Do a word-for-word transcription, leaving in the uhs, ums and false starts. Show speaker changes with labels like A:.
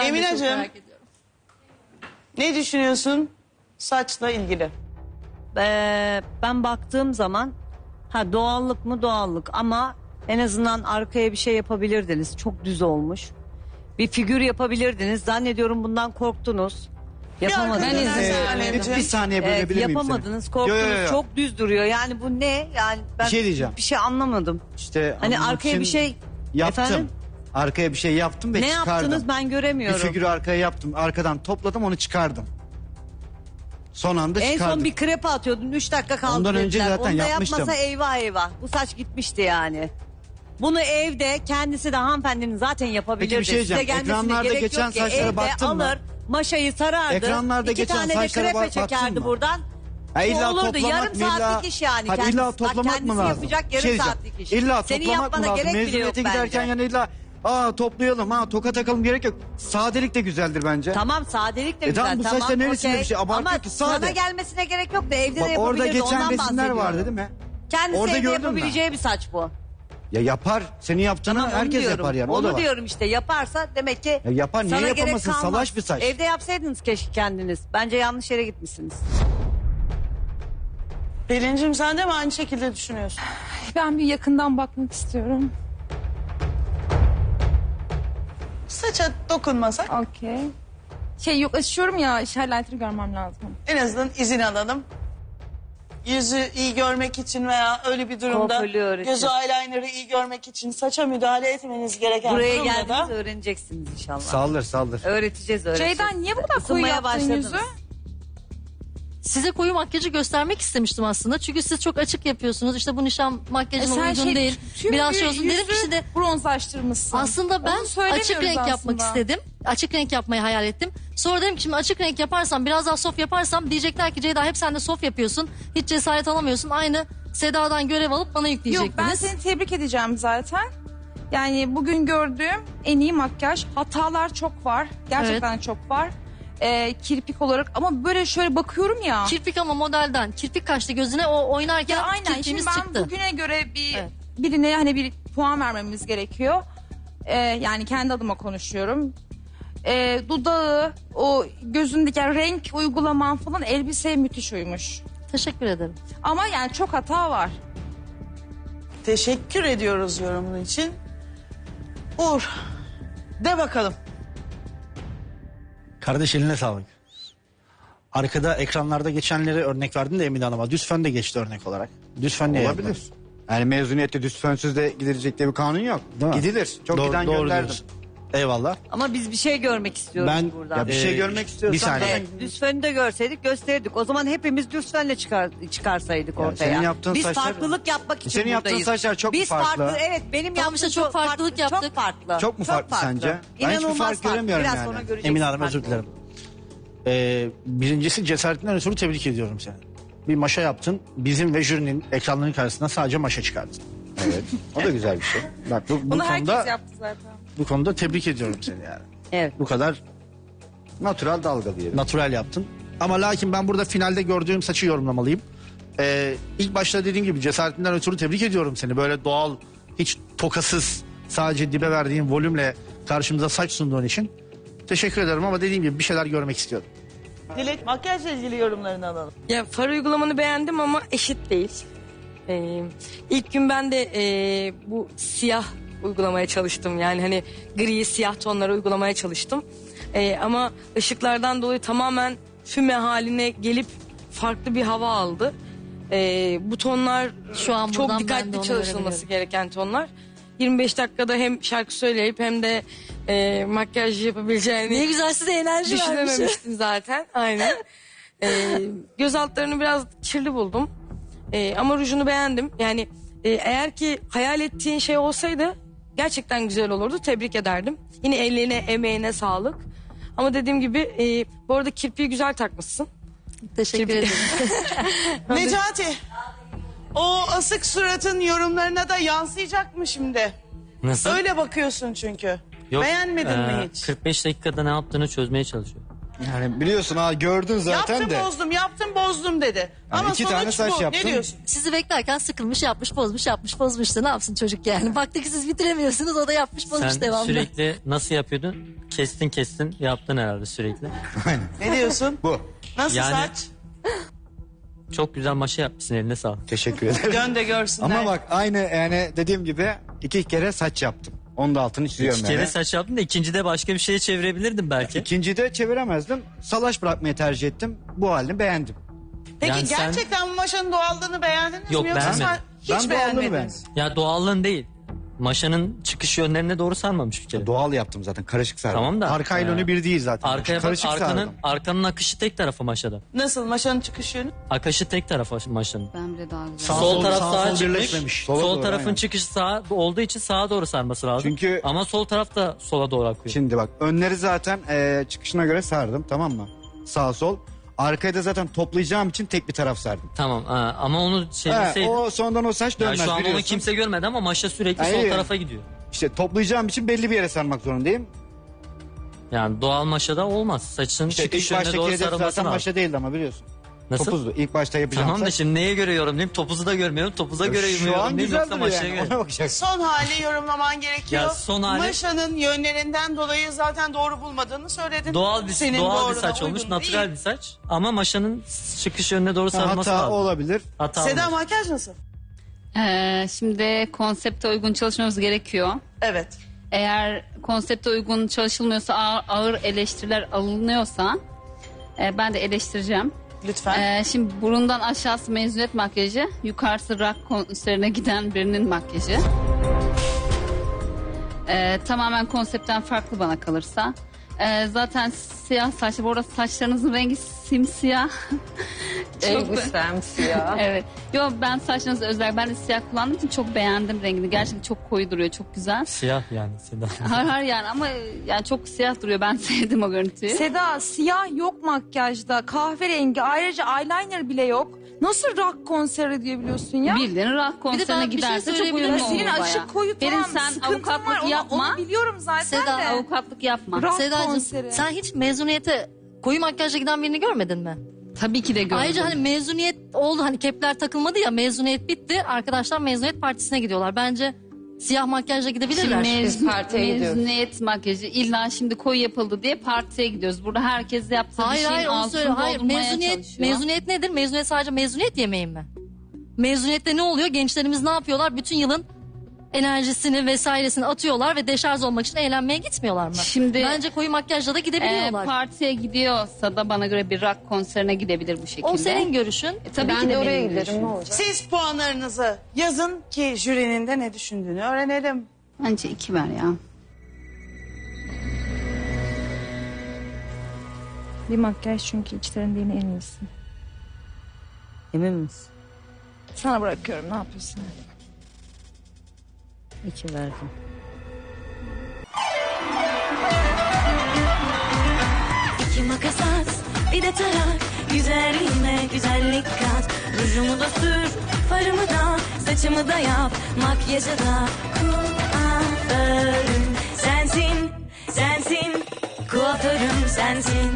A: Ben de çok
B: Emineciğim,
A: merak ediyorum.
B: ne düşünüyorsun saçla ilgili?
C: Ee, ben baktığım zaman ha doğallık mı doğallık ama en azından arkaya bir şey yapabilirdiniz. Çok düz olmuş. Bir figür yapabilirdiniz. Zannediyorum bundan korktunuz. Yapamadınız.
B: Ben
A: izin
B: izin
A: vermedim.
D: Bir saniye
C: Evet,
D: bölebilir miyim
C: yapamadınız,
D: seni?
C: korktunuz.
D: Yo, yo, yo.
C: Çok düz duruyor. Yani bu ne? Yani ben
D: Bir şey diyeceğim.
C: bir şey anlamadım.
D: İşte
C: Hani
D: anlamak
C: arkaya
D: için
C: bir şey
D: yaptım.
C: efendim?
D: Arkaya bir şey yaptım ve
C: Ne
D: çıkardım.
C: yaptınız ben
D: Bir
C: göremiyorum.
D: figürü arkaya yaptım. Arkadan topladım, onu çıkardım. Son anda
C: En
D: çıkardım.
C: son bir krepe atıyordun. Üç dakika kaldı
D: Ondan önce
C: dediler.
D: zaten
C: Onu da
D: yapmıştım.
C: yapmasa eyvah eyvah. Bu saç gitmişti yani. Bunu evde kendisi de hanımefendinin zaten yapabilirdi.
D: Peki bir şey
C: Size
D: diyeceğim.
C: gelmesine
D: Ekranlarda
C: gerek
D: geçen
C: yok ki.
D: saçlara
C: Evde
D: baktın mı?
C: alır, maşayı sarardı.
D: Ekranlarda
C: İki
D: geçen
C: tane de
D: saçlara
C: krepe
D: bak- baktın
C: çekerdi
D: mı?
C: buradan.
D: Ha, illa
C: olurdu.
D: toplamak
C: Yarım
D: mı, illa-
C: saatlik iş yani.
D: Hadi
C: Kendisi,
D: illa
C: bak
D: toplamak
C: kendisi
D: mı lazım?
C: yapacak yarım
D: Şey diyeceğim,
C: saatlik iş.
D: İlla
C: Senin
D: toplamak mı
C: yapmana
D: lazım?
C: gerek bile yok
D: Mezuniyete giderken
C: bence.
D: yani illa aa toplayalım, ha toka takalım gerek yok. Sadelik de güzeldir bence.
C: Tamam sadelik de
D: E
C: güzel.
D: tamam, bu
C: tamam,
D: saçta neresinde
C: okey.
D: bir şey abartıyor
C: Ama
D: ki, sade.
C: sana gelmesine gerek yok da evde
D: Bak
C: de yapabilirdi.
D: orada geçen
C: Ondan
D: resimler
C: bahsediyorum.
D: vardı değil mi?
C: Kendisi
D: Orada
C: evde
D: gördüm ben.
C: yapabileceği bir saç bu.
D: Ya yapar. Senin yaptığını
C: Tamam, onu
D: herkes
C: diyorum.
D: yapar yani. O
C: Onu
D: da var.
C: diyorum işte yaparsa demek ki
D: Ya yapar, niye
C: sana gerek
D: yapamasın?
C: kalmaz.
D: Salaş bir saç.
C: Evde yapsaydınız keşke kendiniz. Bence yanlış yere gitmişsiniz.
B: Pelincim sen de mi aynı şekilde düşünüyorsun?
A: Ben bir yakından bakmak istiyorum.
B: Saça dokunmasak
A: Okey. Şey yok açıyorum ya highlighter'ı görmem lazım.
B: en azından izin alalım. Yüzü iyi görmek için veya öyle bir durumda
C: Kuaförlüğü öğretiyor.
B: gözü eyeliner'ı iyi görmek için saça müdahale etmeniz gereken
C: Buraya
B: durumda
C: geldiğiniz
B: da
C: öğreneceksiniz inşallah.
D: Saldır saldır.
C: Öğreteceğiz öğreteceğiz.
A: Ceyda niye bu kadar koyu
C: Isınmaya
A: yaptın
C: başladınız.
A: yüzü?
E: Size koyu makyajı göstermek istemiştim aslında. Çünkü siz çok açık yapıyorsunuz. İşte bu nişan makyajına
A: E sen
E: uygun
A: şey,
E: değil.
A: tüm
E: Biraz
A: bir
E: şey olsun. Dedim
A: yüzü
E: ki şimdi
A: bronzlaştırmışsın.
E: aslında ben
A: Onu söylemiyoruz
E: açık renk yapmak
A: aslında.
E: istedim. Açık renk yapmayı hayal ettim. Sonra dedim ki şimdi açık renk yaparsam, biraz daha soft yaparsam diyecekler ki Ceyda hep sen de soft yapıyorsun. Hiç cesaret alamıyorsun. Aynı Seda'dan görev alıp bana
A: Yok
E: yükleyecektiniz.
A: ben seni tebrik edeceğim zaten. Yani bugün gördüğüm en iyi makyaj. Hatalar çok var. Gerçekten çok var. Ee, kirpik olarak ama böyle şöyle bakıyorum ya.
E: Kirpik ama modelden. Kirpik kaçtı gözüne, o oynarken
A: Ya aynen. Şimdi
E: kirpiğimiz
A: ben
E: çıktı.
A: bugüne göre bir
E: Evet.
A: birine hani bir puan vermemiz gerekiyor. Ee, yani kendi adıma konuşuyorum. Ee, dudağı, o gözündeki renk uygulaman falan elbiseye müthiş uymuş.
E: Teşekkür ederim.
A: Ama yani çok hata var.
B: teşekkür ediyoruz yorumun için. Uğur de bakalım.
F: Kardeş eline sağlık. Arkada ekranlarda geçenleri örnek verdin de Emine Hanım'a. Düz fön de geçti örnek olarak. Düz fön niye
D: Olabilir.
F: yapmadın?
D: Yani mezuniyette düz fönsüz de gidilecek diye bir kanun yok.
F: Değil mi?
D: Gidilir. Çok
F: Doğru-
D: giden
F: doğru
D: gönderdim.
F: diyorsun. Eyvallah.
C: Ama biz bir şey görmek istiyoruz
F: Ben-
C: buradan.
D: Ya bir şey
F: Ee,
D: görmek istiyorsan.
F: bir saniye.
C: Evet, düz fönü de görseydik gösterirdik. O zaman hepimiz düz fönle çıkar, çıkarsaydık
D: Yani
C: ortaya.
D: senin yaptığın
C: Biz
D: saçlar-
C: farklılık yapmak için
D: Senin yaptığın
C: buradayız.
D: saçlar çok
C: Biz
D: farklı.
C: Evet benim
E: Tamam
C: yaptığım
E: işte çok farklılık
C: farklı,
E: yaptık.
C: Çok farklı.
D: Çok mu farklı sence? Ben hiçbir
C: İnanılmaz
D: fark göremiyorum
C: Biraz
D: yani.
C: sonra göreceksin
F: Emine Hanım
C: farklı
F: özür dilerim. Ee, birincisi cesaretinden ötürü tebrik ediyorum seni. Bir maşa yaptın. Bizim ve jürinin ekranların karşısına sadece maşa çıkardın.
D: Evet. O da güzel bir şey.
F: Bak bu, bu
A: Bunu herkes
F: konuda
A: yaptı zaten.
F: bu konuda tebrik ediyorum seni yani.
C: Evet.
F: Bu kadar
D: Natural dalga diyelim.
F: natural yaptın. Ama lakin ben burada finalde gördüğüm saçı yorumlamalıyım. Ee, ilk başta dediğim gibi cesaretinden ötürü tebrik ediyorum seni. Böyle doğal, hiç tokasız, sadece dibe verdiğin volümle karşımıza saç sunduğun için. Teşekkür ederim ama dediğim gibi bir şeyler görmek istiyorum.
B: Dilek makyajla ilgili yorumlarını alalım.
G: Ya far uygulamanı beğendim ama eşit değil. Ee, ilk gün ben de e, bu siyah uygulamaya çalıştım. Yani hani gri siyah tonları uygulamaya çalıştım. Ee, ama ışıklardan dolayı tamamen füme haline gelip farklı bir hava aldı. Ee, bu tonlar
E: Şu an
G: çok
E: buradan ben de
G: dikkatli
E: onu
G: çalışılması
E: görebiliyorum.
G: gereken tonlar. yirmi beş dakikada hem şarkı söyleyip hem de e, makyaj yapabileceğini
E: Ne güzel, size enerji vermiş.
G: düşünememiştim zaten. Aynen. Ee, göz altlarını biraz kirli buldum. Ee, ama rujunu beğendim. Yani e, eğer ki hayal ettiğin şey olsaydı gerçekten güzel olurdu. Tebrik ederdim. Yine ellerine, emeğine sağlık. Ama dediğim gibi e, bu arada kirpiği güzel takmışsın.
E: Teşekkür ederim.
B: Necati. O asık suratın yorumlarına da yansıyacak mı şimdi?
H: Nasıl?
B: Öyle bakıyorsun çünkü.
H: Yok,
B: Beğenmedin
H: eee,
B: mi hiç?
H: kırk beş dakikada ne yaptığını çözmeye çalışıyor.
D: Yani biliyorsun ha, gördün zaten
B: Yaptım
D: de.
B: bozdum, yaptım bozdum dedi. Ama
D: iki
B: sonuç
D: tane saç
B: bu.
D: yaptın.
B: Ne diyorsun?
E: Sizi beklerken sıkılmış, yapmış, bozmuş, yapmış, bozmuş da ne yapsın çocuk yani. Baktı ki siz bitiremiyorsunuz, o da yapmış, bozmuş
H: Sen
E: devamlı.
H: sürekli nasıl yapıyordun? kestin kestin yaptın herhalde sürekli.
B: Ne diyorsun?
D: Bu.
B: Nasıl
H: Yani-
B: saç?
H: Çok güzel maşa yapmışsın, eline sağlık.
D: Teşekkür ederim.
B: Dön de görsünler.
D: Ama bak aynı yani dediğim gibi iki kere saç yaptım. Onun da altını çiziyorum
H: İki kere
D: yani.
H: saç yaptın da ikincide başka bir şeye çevirebilirdim belki.
D: İkinciyi de çeviremezdim. Salaş bırakmayı tercih ettim. Bu halini beğendim.
B: Peki
H: Yani sen-
B: gerçekten bu maşanın doğallığını beğendiniz
H: Yok,
B: mi? Yoksa
H: beğenmedim.
B: sen hiç
D: Ben doğallığını
B: beğenmediniz.
D: beğendim.
H: Ya doğallığın değil. Maşanın çıkış yönlerine doğru sarmamış bir kere.
D: Doğal yaptım zaten. Karışık sardım.
H: Tamam da.
F: Arkayla
H: e,
F: önü bir değil zaten.
H: Arkaya bak,
D: Karışık
H: arkanın,
D: sardım.
H: arkanın akışı tek tarafı maşada.
B: Nasıl maşanın çıkış yönü?
H: Akışı tek tarafı maşanın.
I: Bence daha güzel.
F: Sağ
H: Sol
F: sol,
H: taraf
F: sağ
H: sağa
F: sol
H: çıkmış.
F: birleşmemiş.
H: Sol
D: Sola doğru,
H: tarafın
D: aynen.
H: çıkışı sağa olduğu için sağa doğru sarması lazım.
D: Çünkü-
H: Ama sol taraf da sola doğru akıyor.
D: Şimdi bak önleri zaten e, çıkışına göre sardım, tamam mı? Sağ sol. Arkaya da zaten toplayacağım için tek bir taraf sardım.
H: Tamam ha, ama onu
D: He,
H: çevirseydin.
D: o sonradan o saç
H: Ya
D: dönmez
H: şu an onu
D: biliyorsun.
H: kimse görmedi ama maşa sürekli
D: Hayır.
H: sol tarafa gidiyor.
D: İşte toplayacağım için belli bir yere sarmak zorundayım.
H: Yani doğal maşada olmaz. Saçın
D: İşte
H: çıkış
D: ilk
H: yönüne
D: baştaki
H: doğru
D: hedef
H: sarılması
D: zaten
H: lazım.
D: başta değildi ama biliyorsun.
H: Nasıl?
D: Topuzdu. İlk başta yapacağım
H: Tamam da
D: saç.
H: şimdi neye göre yorumlayayım? Topuzu da görmüyorum. Topuza göre
D: Şu
H: yorumlayayım.
D: an güzel
H: Yoksa
D: duruyor
H: maşaya
D: yani.
H: göre.
D: Ona bakacaksın.
B: Son hali yorumlaman gerekiyor.
H: Ya son hali-
B: Maşanın yönlerinden dolayı zaten doğru bulmadığını söyledin.
H: Doğal bir,
B: Senin
H: doğal bir
B: doğruna
H: saç
B: uygun
H: olmuş.
B: değil.
H: Natural bir saç. Ama maşanın çıkış yönüne doğru sarılması
D: Hata
H: lazım.
D: olabilir.
H: Hata
B: Seda
H: olmaz.
B: makyaj nasıl?
I: Ee, şimdi konsepte uygun çalışmamız gerekiyor.
B: Evet.
I: Eğer konsepte uygun çalışılmıyorsa, ağır, ağır eleştiriler alınıyorsa e, ben de eleştireceğim.
B: Lütfen.
I: Ee, şimdi burundan aşağısı mezuniyet makyajı, yukarısı rock konserine giden birinin makyajı. Ee, tamamen konseptten farklı bana kalırsa. Ee, zaten siyah saçlı. Bu arada saçlarınızın rengi simsiyah. Çok
G: siyah.
I: evet. Yo, ben saçlarınızı özel, ben de siyah kullandığım için çok beğendim rengini. Gerçekten çok koyu duruyor, çok güzel.
H: Siyah yani Seda.
I: Har har yani ama yani çok siyah duruyor. Ben sevdim o görüntüyü.
A: Seda siyah yok makyajda. Kahverengi, ayrıca eyeliner bile yok. Nasıl rock konseri diyebiliyorsun ya?
I: Bildiğin rock konserine
E: ben bir şey
I: giderse çok
E: söyleyebilir
I: uyumlu
E: miyim?
I: olur
A: Senin
I: bayağı.
A: açık koyu
I: Benim
A: tamam
I: sen
A: sıkıntın
I: avukatlık
A: var. Onu-
I: yapma.
A: Onu biliyorum zaten
E: Seda,
A: de.
I: Avukatlık yapma.
A: Rock
E: Sedacığım
A: konseri.
E: sen hiç mezuniyete koyu makyajla giden birini görmedin mi?
I: Tabii ki de gördüm.
E: Ayrıca hani mezuniyet oldu, hani kepler takılmadı ya, mezuniyet bitti. Arkadaşlar mezuniyet partisine gidiyorlar. Bence siyah makyajla
I: Şimdi
E: gidebilirler.
I: mezun,
G: partiye gidiyoruz.
I: mezuniyet makyajı illa şimdi koyu yapıldı diye partiye gidiyoruz. Burada herkes yaptığı bir
E: Hayır
I: şeyin
E: hayır onu söyle.
I: altını
E: Hayır,
I: doldurmaya
E: mezuniyet
I: çalışıyor.
E: mezuniyet nedir? Mezuniyet sadece mezuniyet yemeği mi? Mezuniyette ne oluyor? Gençlerimiz ne yapıyorlar? Bütün yılın enerjisini vesairesini atıyorlar ve deşarj olmak için eğlenmeye gitmiyorlar mı?
I: Şimdi
E: Bence koyu makyajla da
I: e,
E: gidebiliyorlar.
I: partiye gidiyorsa da bana göre bir rock konserine gidebilir bu şekilde.
E: O senin görüşün.
I: E, tabii ki de oraya giderim. Ne olacak?
B: Siz puanlarınızı yazın ki jürinin de ne düşündüğünü öğrenelim.
I: Bence iki ver ya.
A: Bir makyaj çünkü içlerinden en iyisi.
C: Emin misin?
A: Sana bırakıyorum, ne yapıyorsun?
C: İki verdim.
J: İki makas at, bir de tarak. Güzelliğime güzellik kat. Rujumu da sür, farımı da, saçımı da yap. Makyajı da kuaförüm sensin, sensin. Kuaförüm sensin.